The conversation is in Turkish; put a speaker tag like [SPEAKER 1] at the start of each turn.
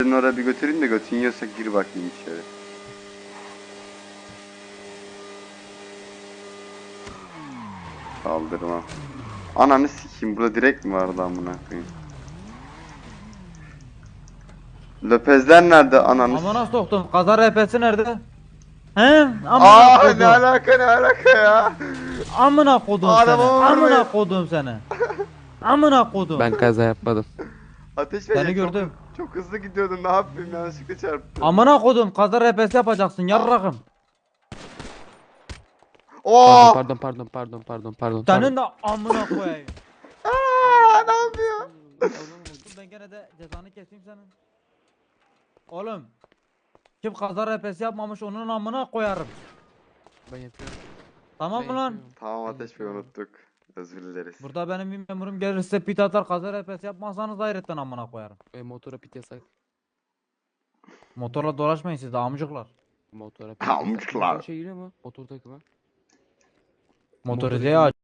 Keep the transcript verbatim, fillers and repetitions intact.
[SPEAKER 1] Seni oraya bir götüreyim de götün yiyorsa gir bakayım içeri. Kaldırma. Ananı sikeyim, burada direkt mi vardı amına koyayım? Löpezler nerede ananı
[SPEAKER 2] Amına
[SPEAKER 1] s-
[SPEAKER 2] soktum. Kaza R P'si nerede? He? Amına
[SPEAKER 1] Aa, ne
[SPEAKER 2] kodum.
[SPEAKER 1] alaka ne alaka ya?
[SPEAKER 2] Amına kodum seni.
[SPEAKER 1] Arabamı vurmayın.
[SPEAKER 2] Amına kodum seni. Amına kodum.
[SPEAKER 3] Ben kaza yapmadım.
[SPEAKER 1] Ateş
[SPEAKER 2] Seni
[SPEAKER 1] verecek, çok,
[SPEAKER 2] gördüm.
[SPEAKER 1] çok hızlı gidiyordun, ne yapayım, yanlışlıkla çarptım.
[SPEAKER 2] Amına kodum. Kaza R P'si yapacaksın yarrakım.
[SPEAKER 1] Oo!
[SPEAKER 3] Pardon pardon pardon pardon pardon.
[SPEAKER 2] Senin de amına koyayım.
[SPEAKER 1] Aa, ne yapıyor?
[SPEAKER 2] Dur ben gene de cezanı keseyim senin. Oğlum. Kim kaza R P'si yapmamış onun amına koyarım.
[SPEAKER 3] Ben yapıyorum.
[SPEAKER 2] Tamam
[SPEAKER 3] Ben
[SPEAKER 2] mı lan?
[SPEAKER 3] yapıyorum.
[SPEAKER 1] Tamam,
[SPEAKER 3] Ben
[SPEAKER 1] Ateş Bey,
[SPEAKER 3] yapıyorum.
[SPEAKER 1] unuttuk. Özür dileriz.
[SPEAKER 2] Burada benim bir memurum gelir size pit atar kaza R P'si yapmazsanız hayretten amına koyarım.
[SPEAKER 3] E, motora pit yasak.
[SPEAKER 2] Motorla dolaşmayın siz de amcıklar.
[SPEAKER 3] Motora pit
[SPEAKER 1] Amcıklar.
[SPEAKER 3] Motor şey giriyor mu? Motor takımı.
[SPEAKER 2] Motoru
[SPEAKER 3] Motoru
[SPEAKER 2] diye